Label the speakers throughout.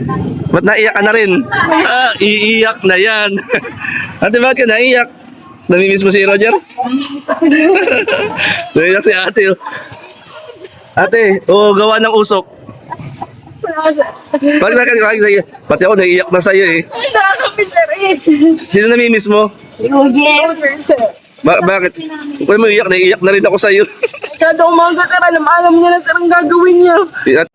Speaker 1: Ba't naiyak ka na rin? Ah, iiyak na yan. Ate, bakit ka naiyak? Namimiss mo si Roger? Naiyak si ate. Oh. Ate, gawa ng usok. Bakit? Pati ako naiiyak na sa'yo eh.
Speaker 2: Ay, nakakapis sir eh.
Speaker 1: Sino namimiss mo?
Speaker 2: Roger, sir.
Speaker 1: Bakit? Kung mo iiyak, naiiyak na rin ako sa'yo.
Speaker 2: Kada umaga sir, alam niya na sir ang gagawin niya.
Speaker 1: At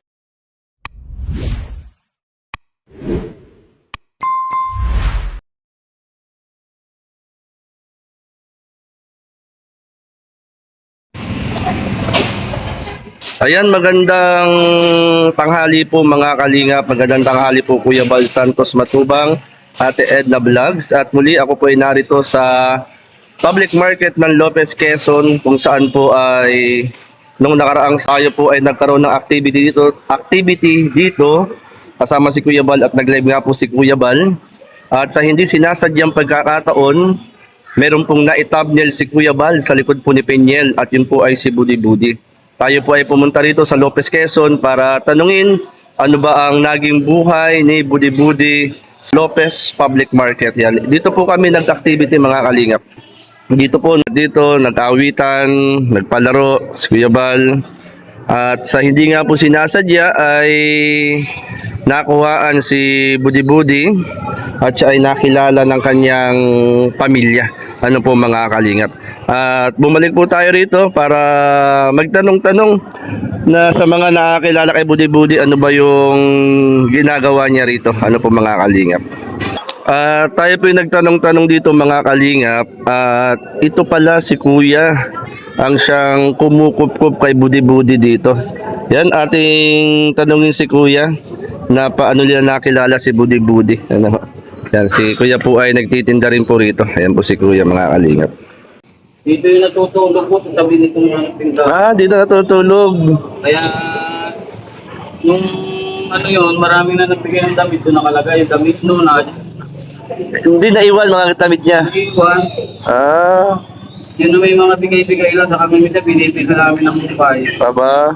Speaker 1: ayan, magandang tanghali po mga kalingap. Magandang tanghali po Kuya Bal Santos Matubang, Ate Edna Vlogs. At muli ako po ay narito sa public market ng Lopez, Quezon, kung saan po ay nung nakaraang sayo po ay nagkaroon ng activity dito kasama si Kuya Bal at nag-live nga po si Kuya Bal. At sa hindi sinasadyang pagkakataon, meron pong na-thumbnail si Kuya Bal sa likod po ni Peñel at yun po ay si Budi Budi. Tayo po ay pumunta rito sa Lopez, Quezon para tanungin ano ba ang naging buhay ni Budi Budi Lopez Public Market. Yan. Dito po kami nag-activity mga kalingap. Dito nag-awitan, nagpalaro si Kuya Bal. At sa hindi nga po sinasadya ay nakuhaan si Budi Budi at siya ay nakilala ng kanyang pamilya. Ano po mga kalingap. At bumalik po tayo rito para magtanong-tanong na sa mga nakakilala kay Budi Budi ano ba yung ginagawa niya rito. Ano po mga kalingap. Tayo po yung nagtanong-tanong dito mga kalingap. At ito pala si Kuya ang siyang kumukup-kup kay Budi Budi dito. Yan, ating tanungin si Kuya na paano nila nakilala si Budi Budi. Ano? Yan, si Kuya po ay nagtitinda rin po rito. Ayan po si Kuya mga kalingap.
Speaker 3: Dito yung natutulog po sa tabi nitong tindahan.
Speaker 1: Dito natutulog.
Speaker 3: Kaya, nung ano yun, marami na nagbigay ng damit. Doon nakalagay yung damit noon.
Speaker 1: Hindi naiwan mga damit niya.
Speaker 3: Iwan. Yun na may mga bigay-bigay lang. Sa kami minsan, binibigay namin ng mumbai.
Speaker 1: Baba.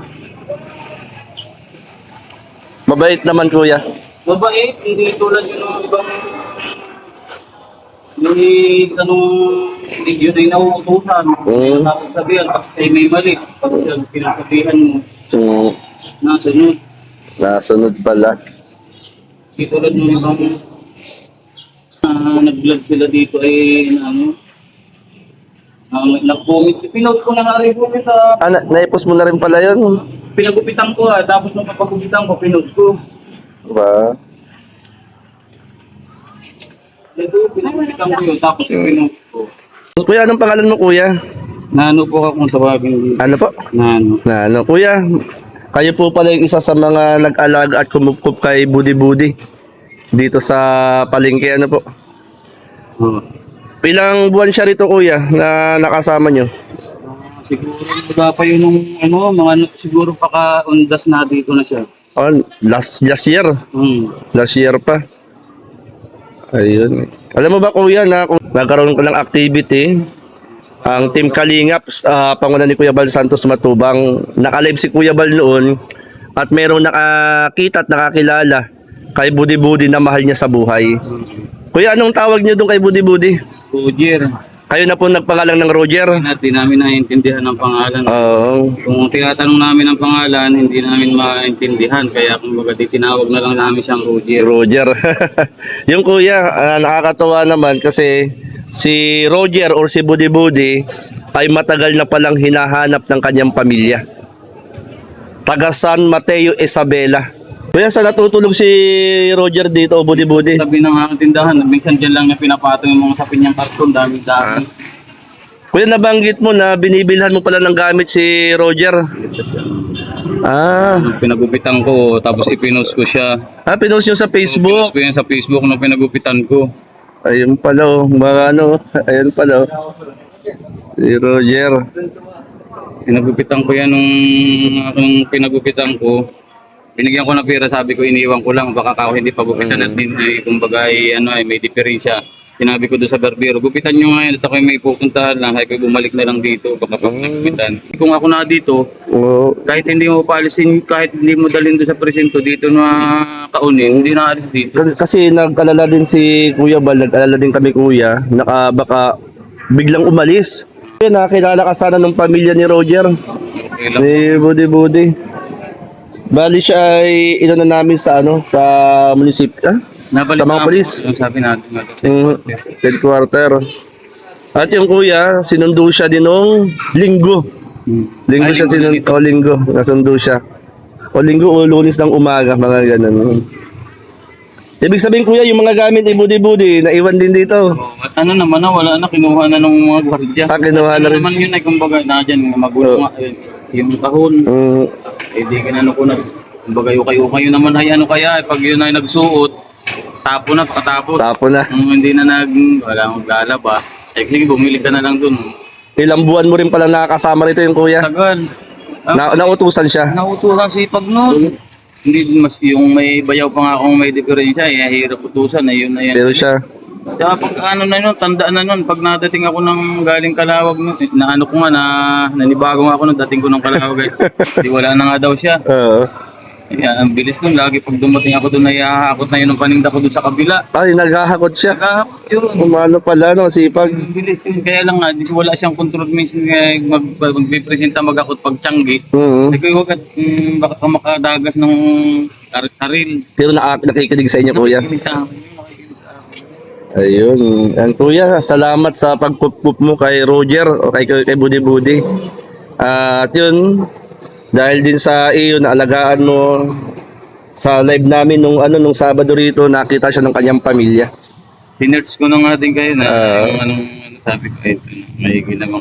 Speaker 1: Mabait naman Kuya.
Speaker 3: Mabait, hindi tulad yun ng ibang hindi tanong hindi yun ay nauutusan. Hindi na sabihan, tapos ay may mali. Tapos yung pinasabihan mo, nasunod.
Speaker 1: Nasunod pala.
Speaker 3: Hindi tulad ng ibang nag-vlog sila dito ay nag-comment. Pinost ko na nga rin po sa...
Speaker 1: Naipos mo na rin pala yun.
Speaker 3: Pinagupitan ko tapos nung papagupitan ko, pinost ko.
Speaker 1: Diba?
Speaker 3: Ito, pinagupitan ko yun, tapos pinost ko.
Speaker 1: Kuya, anong pangalan mo Kuya?
Speaker 3: Nano po akong tawagin dito.
Speaker 1: Ano po?
Speaker 3: Nano.
Speaker 1: Kuya, kayo po pala yung isa sa mga nag-alaga at kumukup kay Budi Budi dito sa palengke, ano po? Ilang buwan siya rito Kuya na nakasama nyo?
Speaker 3: Siguro wala pa yun nung siguro paka-undas na dito na siya.
Speaker 1: Last year. Last year pa. Ayun. Alam mo ba Kuya na kung nagkaroon ko ng activity, ang Team Kalingap, pangunan ni Kuya Bal Santos Matubang, naka-live si Kuya Bal noon at merong nakakita at nakakilala kay Budi Budi na mahal niya sa buhay. Kuya, anong tawag niyo doon kay Budi Budi?
Speaker 3: Roger.
Speaker 1: Kayo na po nagpangalan ng Roger?
Speaker 3: Hindi namin naiintindihan ang pangalan.
Speaker 1: Oo.
Speaker 3: Kung tinatanong namin ang pangalan, hindi namin maintindihan. Kaya kumbaga tinawag na lang namin siyang Roger.
Speaker 1: Roger. Yung Kuya, nakakatawa naman kasi si Roger or si Budi Budi ay matagal na palang hinahanap ng kanyang pamilya. Taga San Mateo, Isabela. Kuya, saan natutulog si Roger dito o Budi Budi?
Speaker 3: Sabi ng tindahan, minsan dyan lang niya pinapatong yung mga sapin niyang karton, dami-dami.
Speaker 1: Kuya, nabanggit mo na binibilhan mo pala ng gamit si Roger.
Speaker 3: Pinagupitan ko, tapos ipinost ko siya.
Speaker 1: Pinost nyo sa Facebook?
Speaker 3: Pinost ko yan sa Facebook nung pinagupitan ko.
Speaker 1: Ayun pala mga ayun pala si Roger.
Speaker 3: Pinagupitan ko yan nung pinagupitan ko. Binigyan ko ng pera, sabi ko iniwan ko lang, baka hindi pagupitan at kumbaga may diferensya. Sinabi ko doon sa barbero, gupitan nyo ngayon at ako may pupuntahan lang, ay ko bumalik na lang dito kapag naggupitan. Kung ako na dito,
Speaker 1: Oo.
Speaker 3: kahit hindi mo paalisin, kahit hindi mo dalhin doon sa presinto dito na kaunin, hindi na alis dito.
Speaker 1: Kasi nag-alala din si Kuya Bal, nag-alala din kami Kuya, baka biglang umalis. Nakilala ka sana ng pamilya ni Roger,
Speaker 3: Okay lang.
Speaker 1: ni Budi. Bali siya ay inano namin sa sa munisipyo, sa mga polis.
Speaker 3: Yung sabi natin nga doon.
Speaker 1: Headquarter. At yung Kuya, sinundo siya din nung linggo. Linggo siya sinundo, linggo, nasundo siya. O linggo o lunes ng umaga, mga ganun. Ibig sabihin Kuya, yung mga gamit ni Budi, naiwan din dito.
Speaker 3: At ano naman na, wala na, kinuha na ng mga gwardiya.
Speaker 1: Kinuha na
Speaker 3: Ano
Speaker 1: rin.
Speaker 3: naman yun ay kumbaga na dyan, magulo nga. Yung kahon, di kinano ko na. Kumbaga ukay-ukay yun naman ay ano kaya, pag yun ay nagsuot, tapo na, pagkatapos.
Speaker 1: Tapo na.
Speaker 3: Hindi na wala akong lalaba. Sige, bumili ka na lang dun.
Speaker 1: Ilang buwan mo rin pala nakakasama rito yung Kuya.
Speaker 3: Tagal.
Speaker 1: Nautusan siya.
Speaker 3: Nautusan sipag nun. Hindi mas yung may bayaw pa nga akong may diferensya, hirap utusan, yun na yan.
Speaker 1: Pero siya,
Speaker 3: Kaya pag ano na yun, tandaan na nun, pag nadating ako ng galing Kalawag nun, na ano ko nga, nanibago nga ako nung dating ko ng Kalawag. Di wala na nga daw siya. Kaya ang bilis nun, lagi pag dumating ako doon, naiahakot na yun ng paninda ko doon sa kabila.
Speaker 1: ay naghahakot siya.
Speaker 3: Nagahakot yun.
Speaker 1: Umano pala no, sipag.
Speaker 3: Ang bilis yun. Kaya lang nga, wala siyang control minsan magpipresenta mag-akot pag tiyanggi. Kasi huwag at baka ka makadagas ng saril.
Speaker 1: Pero nakikinig sa inyo Kuya.
Speaker 3: Nakikinig sa akin, nakikinig sa akin.
Speaker 1: Ayun. Ang Kuya, salamat sa pagpupup mo kay Roger o kay Budi. At yun, dahil din sa iyo na alagaan mo sa live namin nung Sabado rito, nakita siya ng kanyang pamilya.
Speaker 3: Sinerts ko na nga din kayo na yung anong sabi ko, ito, may ginamang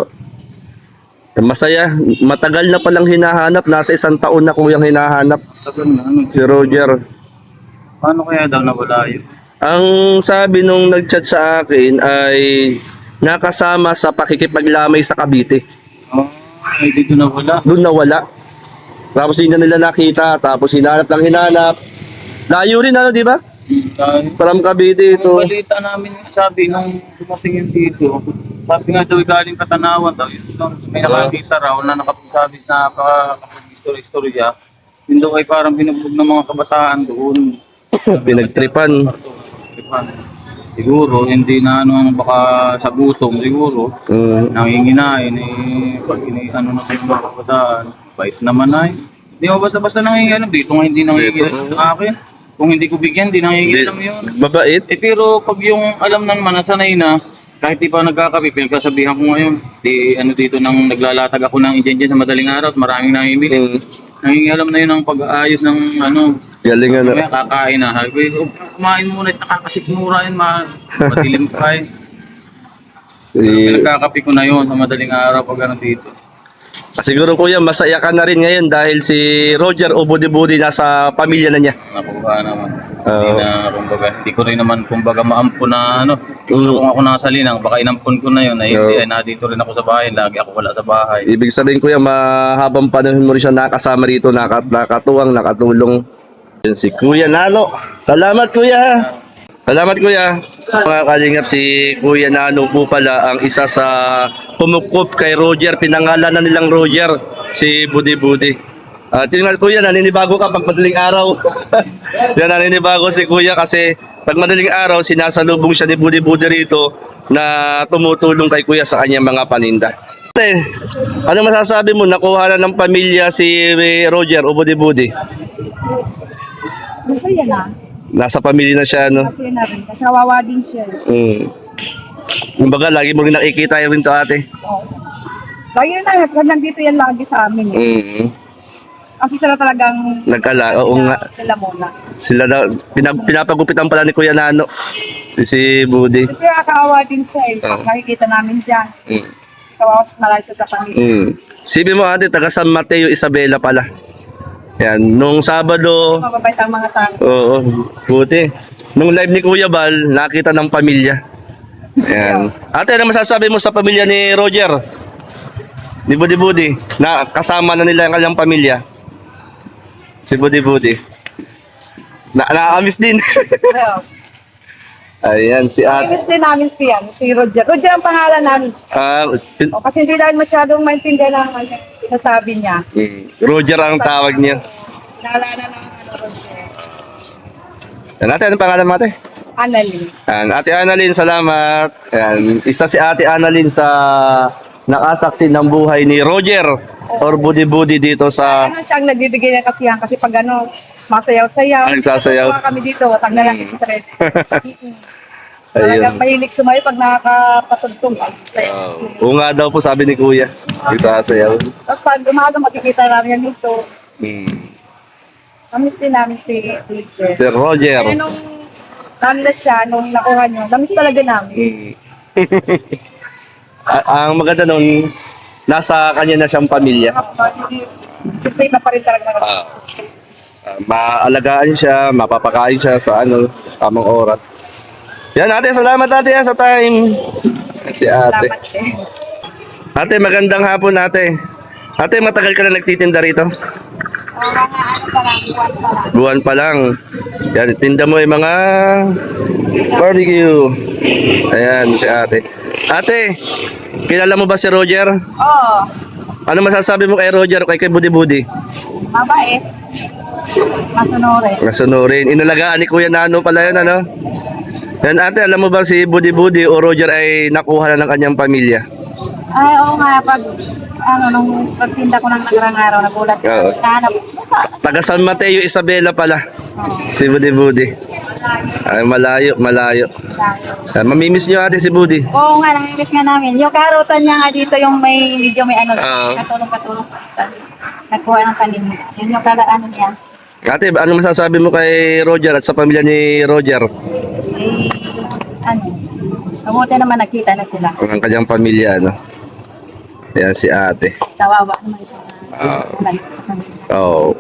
Speaker 1: Masaya, matagal na palang hinahanap, nasa 1 taon na Kuyang hinahanap
Speaker 3: tagal na, ano,
Speaker 1: si Roger.
Speaker 3: paano kaya daw nawala yun?
Speaker 1: Ang sabi nung nag-chat sa akin ay nakasama sa pakikipaglamay sa Cavite.
Speaker 3: Oh, ay dito nawala.
Speaker 1: Doon nawala. Tapos hindi na nila nakita, tapos hinanap. Layo rin di ba?
Speaker 3: Dahil
Speaker 1: From Cavite ito.
Speaker 3: ang balita namin, sabi nung dumating yun dito, sabi nga daw galing Katanawan daw, yun lang, may nakakita raw na nakapagsabi na istorya. Yun daw ay parang binugbog ng mga kabataan doon.
Speaker 1: Pinagtripan.
Speaker 3: Siguro, hindi na baka sa gutom siguro. Nanginginain pag ano na kayo mga kabataan, bait naman ay. Hindi mo basta-basta nanginginain, dito nga hindi nanginginain sa akin. Kung hindi ko bigyan, hindi nanginginain yun.
Speaker 1: Mabait.
Speaker 3: Pero pag yung alam ng manasanay na, kahit di pa nagkakape, pinagkasabihan ko ngayon, dito nang naglalatag ako ng dyan sa madaling araw at maraming nangimili. Nangingialam na yun ang pag-aayos ng
Speaker 1: Galing
Speaker 3: Kaya kakain na. Sabi ko, kumain muna at nakakasikmura yun, madilim pa eh. Pinagkakape ko na yun sa madaling araw pag dito.
Speaker 1: Siguro Kuya, masaya ka na rin ngayon dahil si Roger o Budi nasa pamilya na niya.
Speaker 3: Nakuha naman. Hindi ko rin naman kumbaga maampun na Kung ako nasa linang, baka inampun ko na yun. Hindi, nandito rin ako sa bahay. Lagi ako wala sa bahay.
Speaker 1: Ibig sabihin Kuya, mahabang panahon mo rin siya nakasama rito, nakatuwang, nakatulong. Yun si Kuya Nano. Salamat Kuya. Salamat Kuya. Mga kalingap, si Kuya Nano po pala ang isa sa pumukup kay Roger. Pinangalan na nilang Roger, si Budi. At yun nga Kuya, naninibago ka pag madaling araw. Yan, naninibago si Kuya kasi pag madaling araw, sinasalubong siya ni Budi rito na tumutulong kay Kuya sa kanyang mga paninda. Ano masasabi mo? Nakuha na ng pamilya si Roger o Budi?
Speaker 2: Masaya na.
Speaker 1: Nasa pamilya na siya, no?
Speaker 2: Masaya na rin. Kasi kawawa din siya.
Speaker 1: Kumbaga, lagi mo rin nakikita yun to ate.
Speaker 2: Oo. Lagi na, nandito yan lagi sa amin. Kasi sila talagang
Speaker 1: Oo nga.
Speaker 2: sila muna.
Speaker 1: Sila daw, pinapagupitan pala ni Kuya Nano. Si Budi.
Speaker 2: Siyempre kakawa din siya eh. Nakikita namin dyan. Kawawa malay siya sa pamilya.
Speaker 1: Sibi mo ate, taga San Mateo, Isabela pala. Yan, nung Sabado,
Speaker 2: Mababait ang mga tao.
Speaker 1: oo, buti. Nung live ni Kuya Bal, nakita ng pamilya. Yan. Ate, ano masasabi mo sa pamilya ni Roger? Ni Budi, na kasama na nila ang kanyang pamilya. Si Budi. Nakakamiss din. Ayan, si ate.
Speaker 2: Miss din namin si Roger. Roger ang pangalan namin. O, kasi hindi namin masyadong maintindihan ang sinasabi niya.
Speaker 1: Roger ang tawag niya.
Speaker 2: Naalala ng Roger.
Speaker 1: Yan, ate, anong pangalan mo, ate?
Speaker 2: Annalyn.
Speaker 1: Yan, ate Annalyn, salamat. Yan, isa si ate Annalyn sa nakasaksi ng buhay ni Roger or Budi-Budi dito sa
Speaker 2: Ano siyang nagbibigay ng kasiyahan kasi pag ano, masayaw-sayaw.
Speaker 1: Nagsasayaw.
Speaker 2: Tuwa kami dito, tanggal ang stress.
Speaker 1: Ayun.
Speaker 2: Talagang mahilig sumayo pag nakakapatugtong.
Speaker 1: Oo nga daw po sabi ni Kuya. Isasayaw.
Speaker 2: Tapos pag umaga makikita namin yan dito.
Speaker 1: Hmm.
Speaker 2: Namiss din namin si Roger.
Speaker 1: Si Roger.
Speaker 2: Kaya nung namiss siya, nung nakuha niyo, namiss talaga namin.
Speaker 1: Ang maganda nun, nasa kanya na siyang pamilya.
Speaker 2: Siyempre na pa rin talaga.
Speaker 1: Maalagaan siya, mapapakain siya sa tamang oras. Yan ate, salamat ate sa time. Si ate.
Speaker 2: Salamat eh.
Speaker 1: Ate, magandang hapon ate. Ate, matagal ka na nagtitinda rito?
Speaker 2: Mga ano pa lang, buwan pa lang.
Speaker 1: Buwan pa lang. Yan, tinda mo yung mga barbecue. Ayan, si ate. Ate, kilala mo ba si Roger?
Speaker 2: Oo,
Speaker 1: Ano masasabi mo kay Roger, kay Budi-Budi?
Speaker 2: mabait. Masunurin.
Speaker 1: Nasunurin. Inalagaan ni Kuya Nano pala yun, ano? Yan ate, alam mo ba si Budi-Budi o Roger ay nakuha na ng kanyang pamilya?
Speaker 2: Ay, oo nga, nung pagtinda ko ng nagarang araw, nagulat ko.
Speaker 1: Oo.
Speaker 2: Nahanap ko.
Speaker 1: Taga San Mateo, Isabela pala. Si Budi-Budi. Ay, malayo. Mamimiss nyo ate si Budi.
Speaker 2: Oo nga, namimiss nga namin. Yung karotan niya nga dito, yung medyo may
Speaker 1: Oo.
Speaker 2: katulong-katulong. Nagkuha ng tanim. Yun yung ano niya.
Speaker 1: Ate, ano masasabi mo kay Roger at sa pamilya ni Roger?
Speaker 2: Eh, mabuti naman nakita na sila.
Speaker 1: Ang kanyang pamilya, ano? Ayan si ate.
Speaker 2: Kawawa naman ito.
Speaker 1: Oo.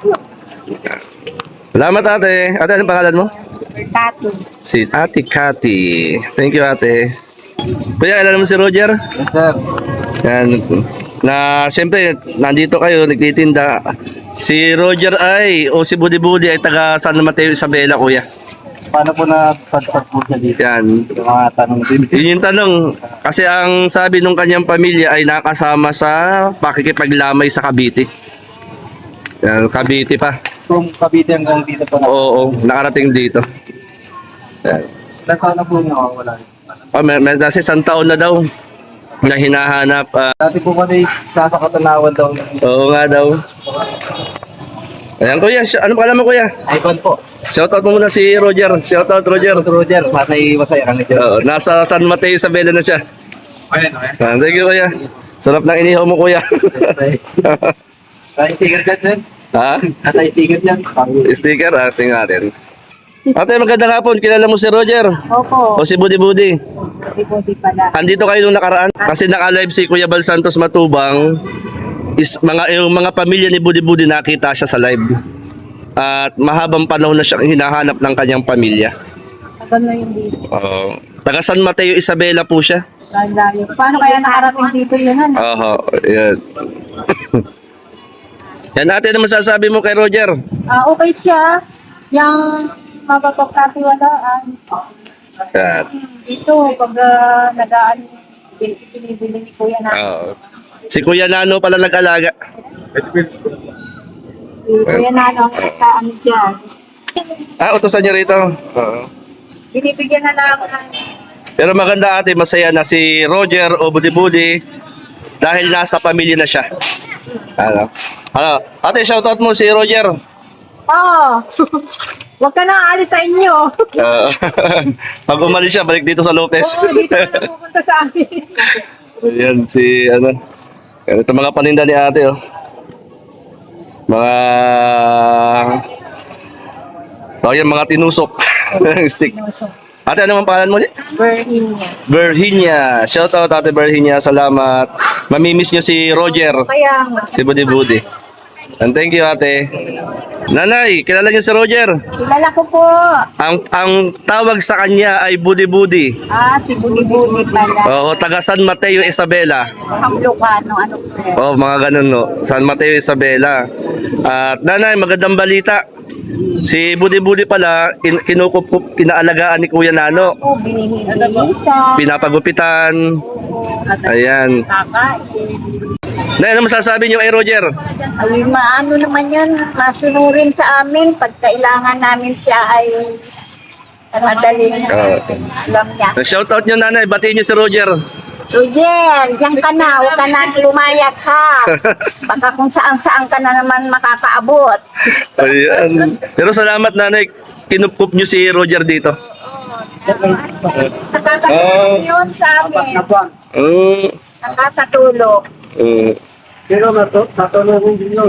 Speaker 1: Salamat ate. Ate, anong pangalan mo?
Speaker 2: Tatu.
Speaker 1: Si Ate Cathy. Thank you ate. Kuya, alam mo si Roger?
Speaker 3: Yes, sir.
Speaker 1: Yan. Na siyempre, nandito kayo, nagtitinda. Si Roger o si Budi-Budi ay taga San Mateo, Isabela, kuya.
Speaker 3: Paano po na-padpad po siya dito?
Speaker 1: Yan.
Speaker 3: Yung mga tanong din.
Speaker 1: Yun yung tanong. Kasi ang sabi nung kanyang pamilya ay nakasama sa pakikipaglamay sa Cavite. Yan, Cavite pa.
Speaker 3: From Cavite hanggang dito po na.
Speaker 1: Oo, nakarating dito. Yan.
Speaker 3: Ilan taon na po nakawala?
Speaker 1: Oh, may kasi isang taon na daw na hinahanap.
Speaker 3: Dati po kasi nasa Katanawan daw.
Speaker 1: Oo nga daw. Ayan kuya, ano pala mo kuya?
Speaker 3: Ivan po.
Speaker 1: Shoutout mo muna si Roger. Shoutout Roger.
Speaker 3: Roger, masaya ka na dyan.
Speaker 1: Oo, nasa San Mateo, Isabela na siya.
Speaker 3: Ayun, okay.
Speaker 1: Thank you kuya. Sarap ng inihaw mo kuya.
Speaker 3: Ay, ticket dyan, sir.
Speaker 1: Ha?
Speaker 3: Atay ticket dyan.
Speaker 1: Sticker? Tingnan natin. Ate, magandang hapon. Kilala mo si Roger?
Speaker 2: Opo.
Speaker 1: O si Budi-Budi?
Speaker 2: Di pala.
Speaker 1: Andito kayo nung nakaraan? Kasi naka-live si Kuya Bal Santos Matubang. Yung mga pamilya ni Budi-Budi nakita siya sa live. At mahabang panahon na siyang hinahanap ng kanyang pamilya.
Speaker 2: Tagal na yung dito.
Speaker 1: Taga San Mateo, Isabela po siya.
Speaker 2: Layo. Paano kaya nakarating dito yun? Ano?
Speaker 1: Oo, yan. Yan ate, ano masasabi mo kay Roger?
Speaker 2: Okay siya. Yung mapapagkatiwalaan.
Speaker 1: Yan.
Speaker 2: Dito, pag nagaan, binibili ni Kuya na.
Speaker 1: Oo. Si Kuya Nano pala nag-alaga.
Speaker 2: Si Kuya na ano dyan.
Speaker 1: Utusan niyo rito. Oo.
Speaker 2: Binibigyan na lang ng
Speaker 1: Pero maganda ate, masaya na si Roger o Budi-Budi dahil nasa pamilya na siya. Ano? Ate, shoutout mo si Roger.
Speaker 2: Huwag ka na aalis sa inyo.
Speaker 1: Pag umalis siya, balik dito sa Lopez.
Speaker 2: Oo, dito ka na pupunta sa amin.
Speaker 1: Ayan, ito mga paninda ni ate, oh. Mga tinusok. Stick. Ate, ano ang pangalan mo ulit?
Speaker 2: Virginia.
Speaker 1: Virginia. Shoutout ate Virginia, salamat. Mamimiss nyo si Roger,
Speaker 2: Kaya nga.
Speaker 1: si Budi-Budi. And thank you ate. Nanay, kilala niyo si Roger?
Speaker 2: Kilala ko po.
Speaker 1: Ang tawag sa kanya ay Budi-Budi.
Speaker 2: Si Budi-Budi pala.
Speaker 1: Oo, taga San Mateo, Isabela.
Speaker 2: Kamlokano, ano po sir?
Speaker 1: Oh, mga ganun no. San Mateo, Isabela. At nanay, magandang balita. Si Budi Budi pala, kinukup, kinaalagaan ni Kuya Nano.
Speaker 2: Oo, binihisa.
Speaker 1: Pinapagupitan. Ayan.
Speaker 2: Kakain.
Speaker 1: Na, ano masasabi niyo kay Roger?
Speaker 2: Ay, maano naman yan, masunurin sa amin. Pag kailangan namin siya ay madaling alam niya.
Speaker 1: Shoutout niyo nanay, batiin niyo si Roger.
Speaker 2: Roger, diyan ka na. Huwag ka na lumayas ha. Baka kung saan-saan ka na naman makakaabot.
Speaker 1: Ayan. Pero salamat nanay, kinukup niyo si Roger dito.
Speaker 2: Nakakatulong yun sa amin.
Speaker 1: Mm.
Speaker 2: Nakakatulong.
Speaker 4: Pero matulungan din yun.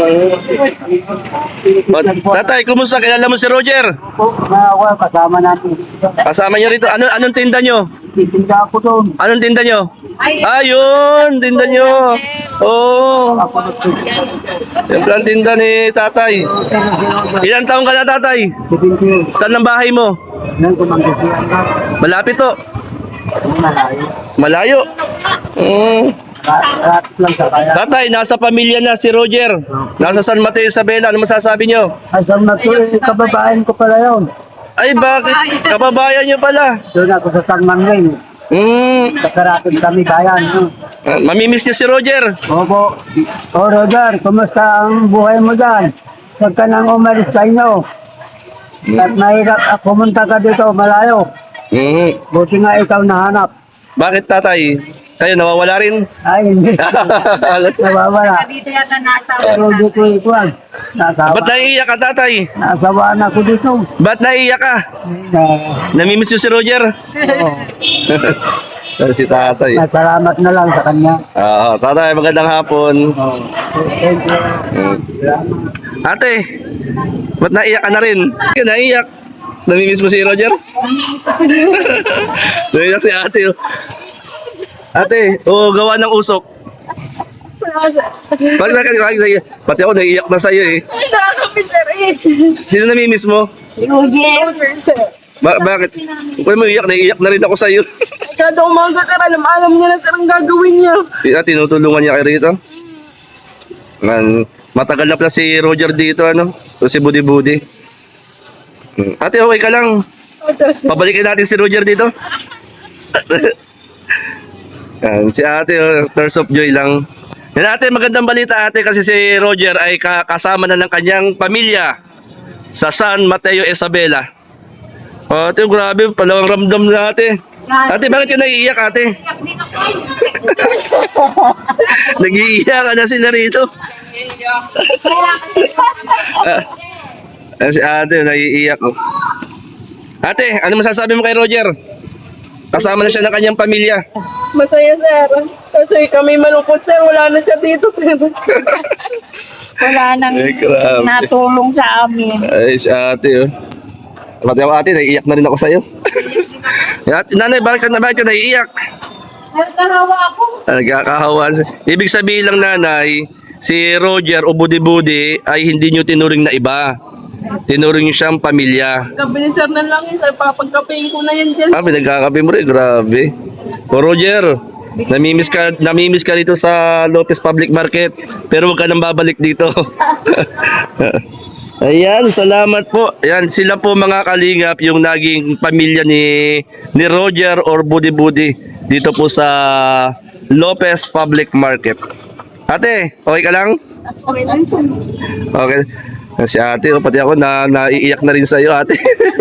Speaker 1: Tatay, kumusta? Kilala mo si Roger?
Speaker 4: Ako, kasama natin.
Speaker 1: Kasama niyo rito. Anong tinda niyo?
Speaker 4: Titinda ako doon.
Speaker 1: Anong tinda niyo? Ayun, tinda niyo. Oo. Yung plan tinda ni tatay. Ilang taong ka na tatay?
Speaker 4: 17.
Speaker 1: Saan ang bahay mo?
Speaker 4: Nang kumangkasiyan ka.
Speaker 1: Malapit to.
Speaker 4: Malayo.
Speaker 1: Malayo.
Speaker 4: Rapid lang sa kaya.
Speaker 1: Tatay, nasa pamilya na si Roger. Nasa San Mateo Isabela. Ano masasabi niyo?
Speaker 4: Asam na to, kababayan ko pala yun.
Speaker 1: Ay, bakit? Kababayan niyo pala.
Speaker 4: Doon ako sa San Manuel. Sa Karapid kami bayan.
Speaker 1: Mamimiss niyo si Roger.
Speaker 4: Opo. O Roger, kumusta ang buhay mo dyan? Huwag ka nang umalis sa inyo. At mahirap pumunta ka dito, malayo. Buti nga ikaw nahanap.
Speaker 1: Bakit tatay? Kayo nawawala rin?
Speaker 4: Ay, hindi. Nawawala.
Speaker 2: Dito yata nasa.
Speaker 4: Pero dito ikuan.
Speaker 1: Ba't naiiyak ka tatay?
Speaker 4: Nasawaan ako dito.
Speaker 1: Ba't naiiyak ka? Namimiss niyo si Roger? Si tatay.
Speaker 4: Salamat na lang sa kanya.
Speaker 1: Oo, tatay, magandang hapon.
Speaker 4: Thank you.
Speaker 1: Ate, ba't naiiyak ka na rin? Naiiyak. Namimiss mo si Roger? Naiiyak si ate. Oh. Ate, gawa ng usok. Pati ako naiiyak na sa'yo eh.
Speaker 2: Nakakapisar eh.
Speaker 1: Sino namimiss mo?
Speaker 2: Roger.
Speaker 1: Bakit? Kung mo iiyak, naiiyak na rin ako sa'yo.
Speaker 2: Kada umaga sir, alam niya na sir ang gagawin niya.
Speaker 1: Tinutulungan niya kayo rito. Matagal na pala si Roger dito, ano? O si Budi Budi. Ate, okay ka lang. Pabalikin natin si Roger dito. Si ate, tears of joy lang. Yan ate, magandang balita ate kasi si Roger ay kasama na ng kanyang pamilya sa San Mateo Isabela. Ate, grabe, palawang ramdam na ate. Ate, bakit ka naiiyak ate? Nag-iiyak ka na sila rito. Si ate, naiiyak. Oh. Ate, ano masasabi mo kay Roger? Kasama na siya ng kanyang pamilya.
Speaker 2: Masaya sir. Kasi kami malungkot sir, wala na siya dito sir. Wala nang
Speaker 1: grabe.
Speaker 2: natulong sa amin.
Speaker 1: Ay, si ate, oh. Pati ako ate, naiiyak na rin ako sa'yo. Nanay, bakit ka naiiyak?
Speaker 2: Nagkahawa ako.
Speaker 1: Nagkakahawa. Ibig sabihin lang nanay, si Roger o Budi Budi ay hindi nyo tinuring na iba. Tinuring nyo siyang pamilya.
Speaker 2: Kabilisar na lang yun sir, papagkapein ko na yan dyan.
Speaker 1: Pinagkakape mo rin, grabe. O Roger, namimiss ka dito sa Lopez Public Market, pero huwag ka nang babalik dito. Ayan, salamat po. Ayan, sila po mga kalingap, yung naging pamilya ni Roger or Budi Budi dito po sa Lopez Public Market. Ate, okay ka lang?
Speaker 2: Okay lang sir.
Speaker 1: Okay. Si ate, pati ako naiiyak na rin sa iyo, ate.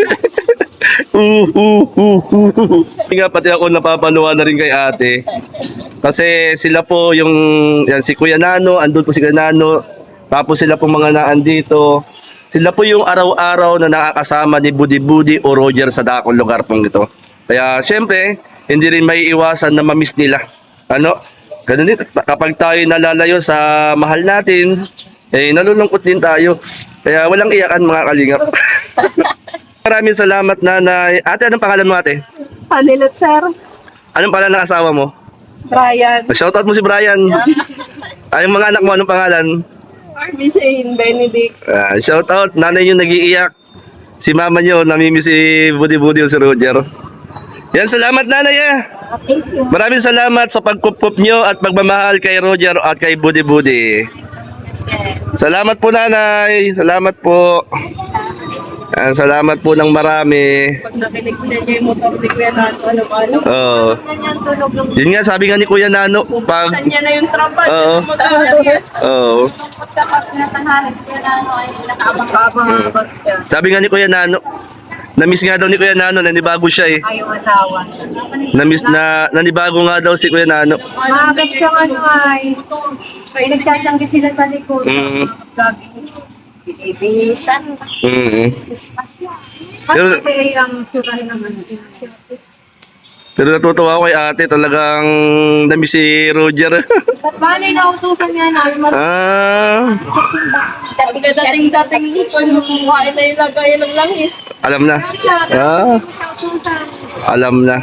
Speaker 1: Nga, pati ako napapaluwa na rin kay ate. Kasi sila po yung, yan, si Kuya Nano, andun po si Kuya Nano. Tapos sila po mga naandito. Sila po yung araw-araw na nakakasama ni Budi Budi o Roger sa dakong lugar pong ito. Kaya syempre, hindi rin may iwasan na mamiss nila. Ano? Ganun din, kapag tayo nalalayo sa mahal natin, nalulungkot din tayo. Kaya walang iyakan mga kalingap. Maraming salamat nanay. Ate, anong pangalan mo ate?
Speaker 2: Panilat sir.
Speaker 1: Anong pangalan ng asawa mo?
Speaker 2: Brian.
Speaker 1: Shoutout mo si Brian. Ay, yung mga anak mo, anong pangalan?
Speaker 2: Army Shane Benedict.
Speaker 1: Shoutout, nanay yung nag-iiyak. Si mama nyo, namimiss si Budi Budi o si Roger. Yan, salamat nanay
Speaker 2: Thank you.
Speaker 1: Maraming salamat sa pagkupup nyo at pagmamahal kay Roger at kay Budi Budi. Salamat po, nanay. Salamat po. Salamat po ng marami.
Speaker 2: Pag nakinig na niya yung motor ni Kuya Nato, ano-ano.
Speaker 1: Oo.
Speaker 2: Ganyan tunog yung
Speaker 1: Yun nga, sabi nga ni Kuya Nano, pag...
Speaker 2: saan niya na yung tropa.
Speaker 1: Oo. Oo.
Speaker 2: Kapag natahanap Kuya Nato ay nakaabang-abang ang bag siya.
Speaker 1: Sabi nga ni Kuya Nano, na-miss nga daw ni Kuya Nano, nanibago siya eh.
Speaker 2: Ay, yung asawa.
Speaker 1: Nanibago nga daw si Kuya Nano.
Speaker 2: Magat siyang ano ay. Nagtatanggi sila sa likod.
Speaker 1: Mm.
Speaker 2: Ibisan.
Speaker 1: Pero-
Speaker 2: Kasi ang sura naman.
Speaker 1: Pero natutuwa ako kay ate, talagang namiss si Roger.
Speaker 2: Bali, nautusan niya namin. Dating-dating ko yung kuhain na ilagay ng langis.
Speaker 1: Alam na. Alam na.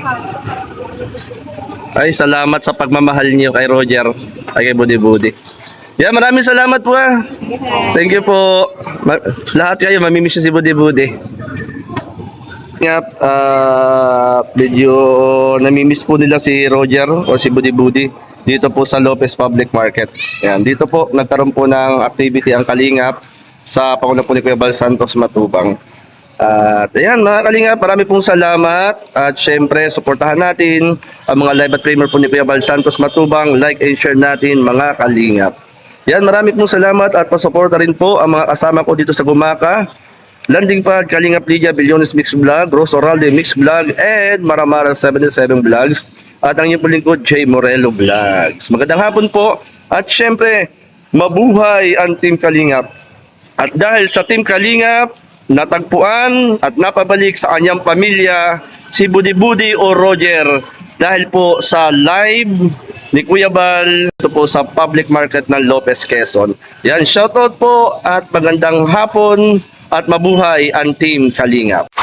Speaker 1: Ay, salamat sa pagmamahal niyo kay Roger. Ay, kay Budi Budi. Yeah, maraming salamat po ah. Thank you po. Lahat kayo, mamimiss niyo si Budi Budi. Nga, medyo namimiss po nila si Roger o si Budi Budi dito po sa Lopez Public Market. Yan, dito po nagkaroon po ng activity ang Kalingap sa Pangulo po ni Kuya Bal Santos Matubang. At ayan mga Kalingap, marami pong salamat at syempre suportahan natin ang mga live at premier po ni Kuya Bal Santos Matubang. Like and share natin mga Kalingap. Yan, marami pong salamat at pasuporta rin po ang mga kasama ko dito sa Gumaka. Landing Pad, Kalingap Lydia, Bilyones Mix Vlog, Rose Oralde Mix Vlog, and Maramara 77 Vlogs. At ang inyong lingkod, J. Morello Vlogs. Magandang hapon po. At syempre, mabuhay ang Team Kalingap. At dahil sa Team Kalingap, natagpuan at napabalik sa kanyang pamilya si Budi Budi o Roger dahil po sa live ni Kuya Bal ito po sa public market ng Lopez, Quezon. Yan, shoutout po at magandang hapon at mabuhay ang Team Kalingap.